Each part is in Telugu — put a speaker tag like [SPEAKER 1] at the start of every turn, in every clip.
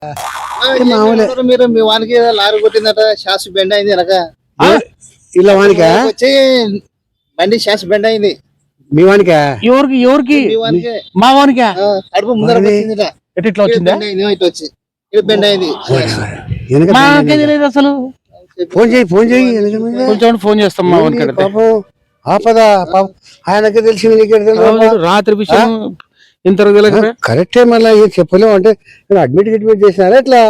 [SPEAKER 1] మీరు మీ వానికి లారీ కొట్టిందట, షాస్ బెండ్ అయింది వెనక.
[SPEAKER 2] ఇలా వానికా
[SPEAKER 1] వచ్చి బండి షాస్ బెండ్ అయింది.
[SPEAKER 2] మీ వానికా?
[SPEAKER 3] ఎవరికి ఎవరికి? మా వానికా?
[SPEAKER 1] అడుపు ముందర వచ్చిందిట.
[SPEAKER 3] ఎట్లా వచ్చిందా?
[SPEAKER 1] ఇటు వచ్చి ఇటు బెండ్ అయింది.
[SPEAKER 3] మాకే తెలియదు అసలు.
[SPEAKER 2] ఫోన్ చేయి ఫోన్ చేయి.
[SPEAKER 3] కొంచెం ఫోన్ చేస్తాం మా వానికి.
[SPEAKER 2] పాపం ఆపదా పాపం, ఆయనకే తెలిసింది నీకే తెలియదు.
[SPEAKER 3] రాత్రి విషయం ఇంత
[SPEAKER 2] కరెక్టే. మళ్ళీ చెప్పలేము అంటే అడ్మిట్ చేసినారా ఎట్లా?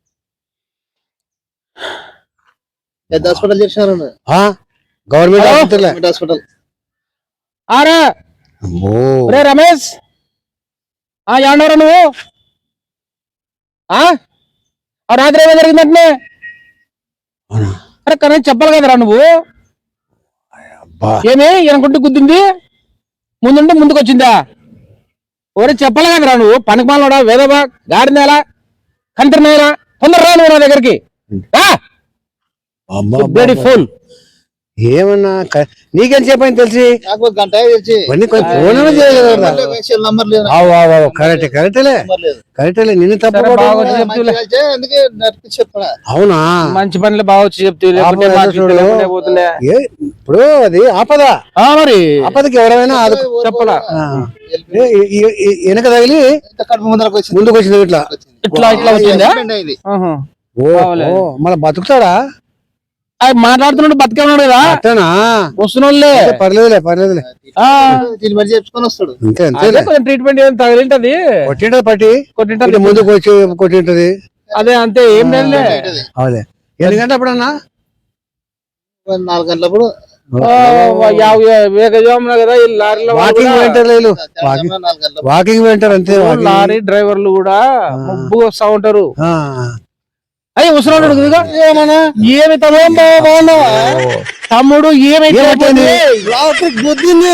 [SPEAKER 1] పెద్ద హాస్పిటల్ చేసినారు.
[SPEAKER 2] Government
[SPEAKER 1] hospital.
[SPEAKER 3] రే రమేష్, ఏమన్నారా నువ్వు? రాత్రి ఏమో జరిగిందంటే అరే కానీ చెప్పాలి కదరా నువ్వు. ఏమి వెనకుంటే గుద్దింది, ముందుంటే ముందుకు వచ్చిందా? ఓరే చెప్పాలి కదరా నువ్వు. పనికి మాలోడా, వేదబా, గాడి నేల, కంటి నేల, తొందరరా నువ్వు నా దగ్గరికి. ఫోన్
[SPEAKER 2] ఏమన్నా నీకేం చెప్పని తెలిసి
[SPEAKER 1] గంట
[SPEAKER 2] కరెక్టే. నిన్ను తప్ప అవునా?
[SPEAKER 3] మంచి పనులు బాగా వచ్చి చెప్తే
[SPEAKER 2] ఇప్పుడు అది ఆపదా.
[SPEAKER 3] మరి
[SPEAKER 2] ఆపదకి ఎవరైనా చెప్పలా. వెనక తగిలి ముందుకు వచ్చింది ఇట్లా
[SPEAKER 3] ఇట్లా ఇట్లా వచ్చిందా?
[SPEAKER 2] మళ్ళీ బతుకుతాడా?
[SPEAKER 3] మాట్లాడుతున్నాడు, బతికే ఉన్నాడు కదా. వస్తున్నోళ్ళే
[SPEAKER 2] పర్లేదులే పర్లేదులే
[SPEAKER 1] చెప్పుకొని వస్తాడు.
[SPEAKER 3] ట్రీట్మెంట్ ఏం తగిలింటది,
[SPEAKER 2] కొట్టింటది పట్టి కొట్టింటది, ముందుకు వచ్చి కొట్టింటది.
[SPEAKER 3] అదే అంతే, ఏం లేదు.
[SPEAKER 2] అదే ఎన్ని గంటల అప్పుడన్నా?
[SPEAKER 1] 4 గంటలప్పుడు
[SPEAKER 3] కదా. ఈ లారీలో
[SPEAKER 2] వాకింగ్ వెంటారు అంతే.
[SPEAKER 3] లారీ డ్రైవర్లు కూడా మబ్బు వస్తా ఉంటారు. అయ్యి వస్తున్నాడు ఏమన్నా. ఏమి తమ్ముడు ఏమైతే
[SPEAKER 1] గుద్దింది.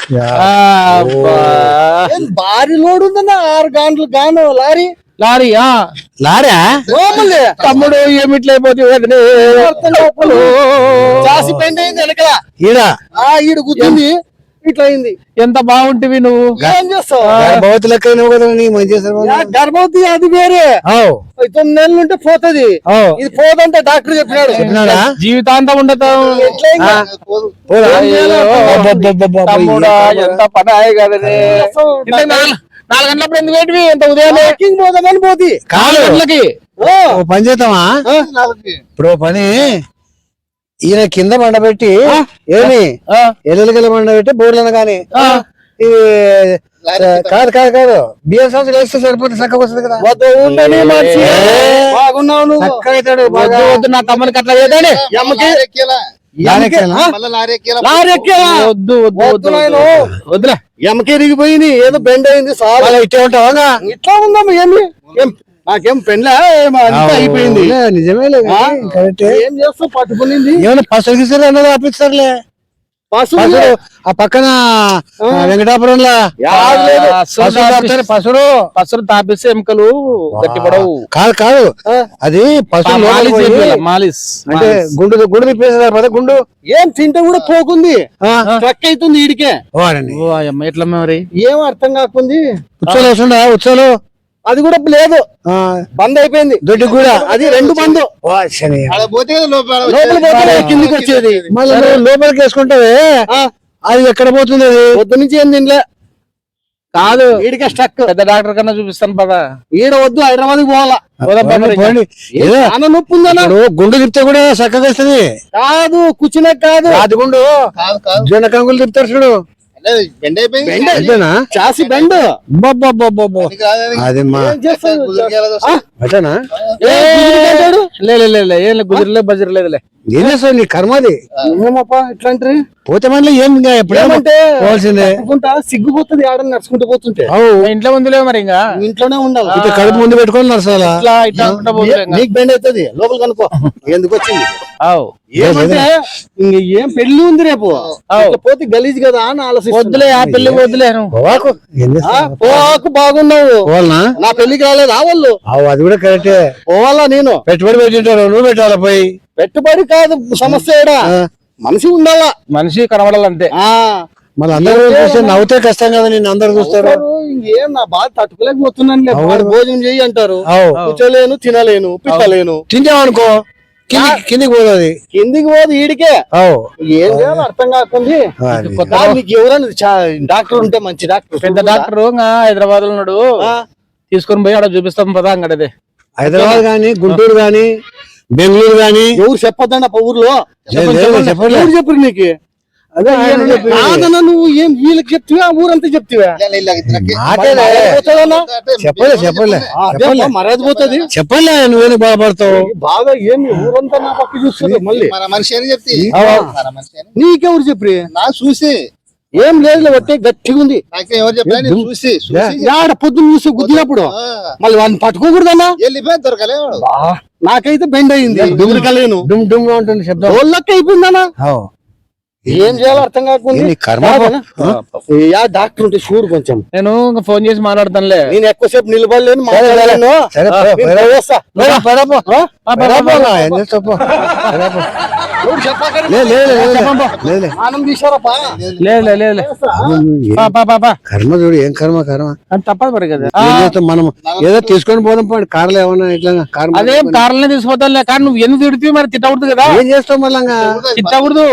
[SPEAKER 1] భారీ లోడ్ ఉందన్న. 6 గంటలు గాను లారీ
[SPEAKER 3] లారీ తమ్ముడు ఏమిట్లయిపోతే
[SPEAKER 1] జాసి పెండ్ అయింది వెనకల. ఈడ గుద్దింది, ఇట్లా అయింది.
[SPEAKER 3] ఎంత బాగుంటివి నువ్వు.
[SPEAKER 1] ఏం చేస్తావు?
[SPEAKER 2] గర్భవతి లెక్క
[SPEAKER 1] గర్భవతి అది వేరే. 9 నెలలు ఉంటే పోతుంది, ఇది పోదంటే డాక్టర్ చెప్పినాడు.
[SPEAKER 3] జీవితాంతం ఉండదు. ఎంత పని అయ్యి కదనే. 4 గంటలప్పుడు ఎందుకు ఏంటివి? ఎంత ఉదయం
[SPEAKER 1] పోదామని పోతి
[SPEAKER 3] 4 గంటలకి
[SPEAKER 2] పని చేద్దామా? ఇప్పుడు పని ఈయన కింద బండబెట్టి ఏమి ఎల్లుగల బండబెట్టి బోర్లను కానీ కాదు కాదు కాదు బియ్యం సంవత్సరం వేస్తే సరిపోతే చక్కగా వస్తుంది కదా.
[SPEAKER 1] బాగున్నావు
[SPEAKER 2] చక్కగా అవుతాడు.
[SPEAKER 3] వద్దు నా తమ్మునికి అట్లా చేద్దాని.
[SPEAKER 1] వద్దులే ఎమ్మకి ఎరిగిపోయింది, ఏదో బెండ్ అయింది. చాలా
[SPEAKER 2] ఇట్లా ఉంటావా?
[SPEAKER 1] ఇట్లా ఉందమ్మా. ఏమి నాకేం పెళ్ళ అయిపోయింది.
[SPEAKER 2] నిజమే
[SPEAKER 1] ఏం చేస్తావు? పట్టుకునింది
[SPEAKER 2] ఏమన్నా పసులు గిస్తారు అన్నది ఆపిస్తారులే.
[SPEAKER 1] పసులు
[SPEAKER 2] ఆ పక్కన వెంకటాపురంలో
[SPEAKER 3] పసులు తాపిస్తే ఎముకలు గట్టిపడవు.
[SPEAKER 2] కాదు కాదు, అది పసులు
[SPEAKER 3] అంటే
[SPEAKER 2] గుండు గుండు తిప్పేసారు. గుండు
[SPEAKER 1] ఏం తింటే కూడా పోకుంది, ట్రక్ అవుతుంది ఈడికే.
[SPEAKER 3] ఎట్లా మరి
[SPEAKER 1] ఏం అర్థం కాకుంది.
[SPEAKER 2] ఉత్సవాలు వస్తుందా? ఉత్సవాలు
[SPEAKER 1] అది కూడా లేదు, బంద్ అయిపోయింది.
[SPEAKER 2] దొడ్డి కూడా
[SPEAKER 1] అది 2 బంద్. కిందికి వచ్చేది
[SPEAKER 2] మళ్ళీ లోపలికి వేసుకుంటావే, అది ఎక్కడ పోతుంది? అది
[SPEAKER 1] పొద్దు నుంచి ఏం తినలే.
[SPEAKER 3] కాదు
[SPEAKER 1] ఈడికే స్టక్.
[SPEAKER 3] పెద్ద డాక్టర్ కన్నా చూపిస్తాను పదా.
[SPEAKER 1] ఈడ వద్దు, హైదరాబాద్ కి పోవాలా. నొప్పి ఉందన్నా.
[SPEAKER 2] గుండు తిప్పితే కూడా చక్కగా వస్తుంది.
[SPEAKER 1] కాదు కూర్చునే కాదు,
[SPEAKER 2] అది గుండు జొన్న కంగులు తిప్పుతారు చూడు.
[SPEAKER 1] చాసి బెండ్
[SPEAKER 2] అది
[SPEAKER 3] గుజరలే బజరలేదులే.
[SPEAKER 2] ఏం చేస్తావు? నీ కర్మది.
[SPEAKER 1] ఏమప్పా ఇట్లాంటి
[SPEAKER 2] పోతే మళ్ళీ ఏం ఎప్పుడేమంటే పోవాల్సిందే.
[SPEAKER 1] సిగ్గుపోతుంది ఆడని నడుచుకుంటూ పోతుంటే.
[SPEAKER 3] ఇంట్లో ముందులే మరి ఇంకా
[SPEAKER 1] ఇంట్లోనే ఉండాలి.
[SPEAKER 2] ఇట్లా కడుపు ముందు పెట్టుకొని నడుస్తాలా?
[SPEAKER 1] నీకు బెండ్ అవుతుంది, లోపల కనుకో. ఎందుకు వచ్చింది? ఏమంటే ఏం పెళ్లి ఉంది రేపు, పోతే గలీజ్ కదా అని ఆలోచిస్తా.
[SPEAKER 3] వద్దులే ఆ పెళ్లి వద్దులే.
[SPEAKER 1] పోవాకు బాగున్నావు, నా పెళ్లికి రాలేదా వాళ్ళు?
[SPEAKER 2] అది కూడా కరెక్టే.
[SPEAKER 1] పోవాలా? నేను
[SPEAKER 2] పెట్టుబడి పెట్టింటారు, నువ్వు పెట్టాలా? పోయి
[SPEAKER 1] పెట్టుబడి కాదు సమస్య. మనిషి ఉండాలా,
[SPEAKER 3] మనిషి కనబడాలంటే.
[SPEAKER 2] మళ్ళీ అందరూ చూస్తే నవ్వుతే కష్టం కదా, నేను అందరు చూస్తారు.
[SPEAKER 1] ఇంకేం నా బాధ తట్టుకోలేకపోతున్నాను. భోజనం చెయ్యి అంటారు, కూర్చోలేను, తినలేను, పిచ్చలేను.
[SPEAKER 2] తింటామనుకో కిందికి పోతుంది,
[SPEAKER 1] కిందికి పోదు ఈడికే. ఏం చేయాలో అర్థం కాకుంది. నీకు ఎవరైనా డాక్టర్ ఉంటే మంచి డాక్టర్,
[SPEAKER 3] పెద్ద డాక్టర్ హైదరాబాద్ లో ఉన్నాడు, తీసుకొని పోయి ఆడ చూపిస్తాం పదా అంగడది.
[SPEAKER 2] హైదరాబాద్ గాని, గుంటూరు గాని, బెంగళూరు గాని.
[SPEAKER 1] ఎవరు చెప్పొద్దన్న ఊర్లో ఎవరు చెప్పరు నీకు? అదే నువ్వు ఏం వీళ్ళకి చెప్తివా, ఊరంతా చెప్తివా? మర్యాద పోతుంది.
[SPEAKER 2] చెప్పలే, నువ్వేనా బాధపడతావు?
[SPEAKER 1] బాగా ఏమి ఊరంతా నా పక్క చూస్తుంది. మళ్ళీ నీకెవరు చెప్పి
[SPEAKER 4] నా చూసి
[SPEAKER 1] ఏం లేదు, ఒట్టే గట్టిగా ఉంది.
[SPEAKER 4] ఎవరు చెప్పారు? చూసి
[SPEAKER 1] పొద్దున్న చూసి గుద్దినప్పుడు మళ్ళీ వాళ్ళని పట్టుకోకూడదన్నా.
[SPEAKER 4] వెళ్ళిపోయి దొరకలే.
[SPEAKER 1] నాకైతే బెండ్ అయింది, దుమ్ముకలేను,
[SPEAKER 2] డుమ్ డుమ్ గా ఉంటుంది శబ్దం.
[SPEAKER 1] వాళ్ళకి అయిపోయిందన్నా. ఏం చేయాలో అర్థం కాకుండా డాక్టర్ ఉంటే చూడు కొంచెం.
[SPEAKER 3] నేను ఫోన్ చేసి మాట్లాడతానులే.
[SPEAKER 1] నేను ఎక్కువసేపు నిలబడలేను, మాట్లాడలేను.
[SPEAKER 2] కర్మ చూడు, ఏం కర్మ కర్మ
[SPEAKER 3] తప్పదు మరి కదా.
[SPEAKER 2] మనం ఏదో తీసుకొని పోదాం పోండి, కార్లు ఏమన్నా ఇట్లా
[SPEAKER 3] అదేం కార్లనే తీసుకుపోతానులే. కానీ నువ్వు ఎందుకు తిడుతూ మరి తిట్టకూడదు కదా.
[SPEAKER 2] ఏం చేస్తావు మళ్ళా?
[SPEAKER 3] తిట్టకూడదు,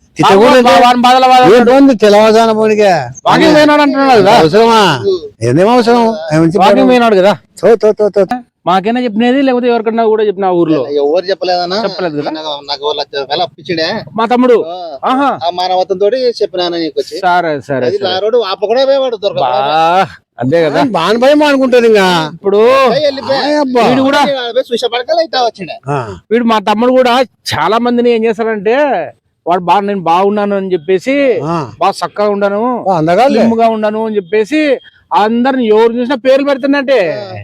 [SPEAKER 2] తెలవదాన పోనీగా
[SPEAKER 3] వాకింగ్ పోయినాడు అంటున్నాడు కదా.
[SPEAKER 2] అవసరమా? ఏదేం అవసరం?
[SPEAKER 3] వాకింగ్ పోయినాడు కదా.
[SPEAKER 2] తో
[SPEAKER 3] మాకైనా చెప్పినది, లేకపోతే ఎవరికన్నా కూడా చెప్పిన ఊర్లో
[SPEAKER 4] ఎవరు చెప్పలేదన్నా?
[SPEAKER 3] చెప్పలేదు కదా.
[SPEAKER 4] నాకు వాళ్ళు అప్పించిండే
[SPEAKER 3] మా తమ్ముడు. ఆహా,
[SPEAKER 4] మానవత్వం తోటి చెప్పినాను నీకు.
[SPEAKER 3] సరే సరే,
[SPEAKER 4] రోడ్డు ఆపకుండా పోయేవాడు దొరక.
[SPEAKER 3] అంతే కదా,
[SPEAKER 2] బాగా భయం అనుకుంటారు. ఇంకా
[SPEAKER 3] ఇప్పుడు వీడు కూడా
[SPEAKER 4] చూసే పడకలు అయితే వచ్చిండే.
[SPEAKER 3] వీడు మా తమ్ముడు కూడా చాలా మందిని ఏం చేస్తారంటే, వాడు బాగా నేను బాగున్నాను అని చెప్పేసి, బాగా చక్కగా ఉన్నాను, గా ఉన్నాను అని చెప్పేసి అందరిని ఎవరు చూసినా పేర్లు పెడుతున్నట్టే.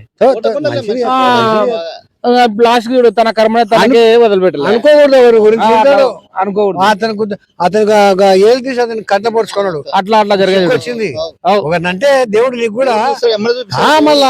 [SPEAKER 3] లాస్ట్ తన కర్మ తనకే వదిలిపెట్టాలి.
[SPEAKER 2] అనుకోకూడదు, ఎవరి గురించి
[SPEAKER 3] అనుకోకూడదు.
[SPEAKER 2] అతను ఏళ్ళు తీసి అతను కట్ట పడుచుకున్నాడు.
[SPEAKER 3] అట్లా జరిగేది
[SPEAKER 2] వచ్చింది ఒకనంటే దేవుడు నీకు కూడా మళ్ళా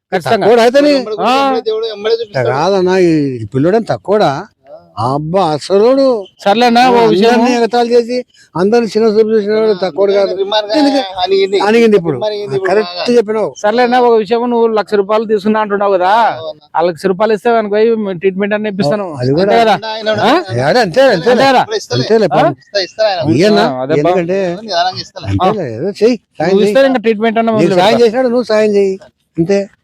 [SPEAKER 2] కాదన్నా. ఈ పిల్లడని తక్కువడా? అబ్బా అసలు
[SPEAKER 3] సర్లేనా,
[SPEAKER 2] ఎగతాలు చేసి అందరిని చిన్న చూపు చూసినాడు తక్కువ కాదు అనిగింది. ఇప్పుడు కరెక్ట్ చెప్పినావు.
[SPEAKER 3] సర్లేనా, ఒక విషయం, నువ్వు 1,00,000 రూపాయలు తీసుకున్నా అంటున్నావు కదా, ఆ 1,00,000 రూపాయలు ఇస్తే అనుకో ట్రీట్మెంట్ అని ఇప్పిస్తాను.
[SPEAKER 2] అది కూడా
[SPEAKER 3] కదా,
[SPEAKER 2] అంతే అంతేలే. ఎందుకంటే ఏదో చెయ్యి,
[SPEAKER 3] ట్రీట్మెంట్ అన్న
[SPEAKER 2] సాయం చేసినాడు, నువ్వు సాయం చెయ్యి అంతే.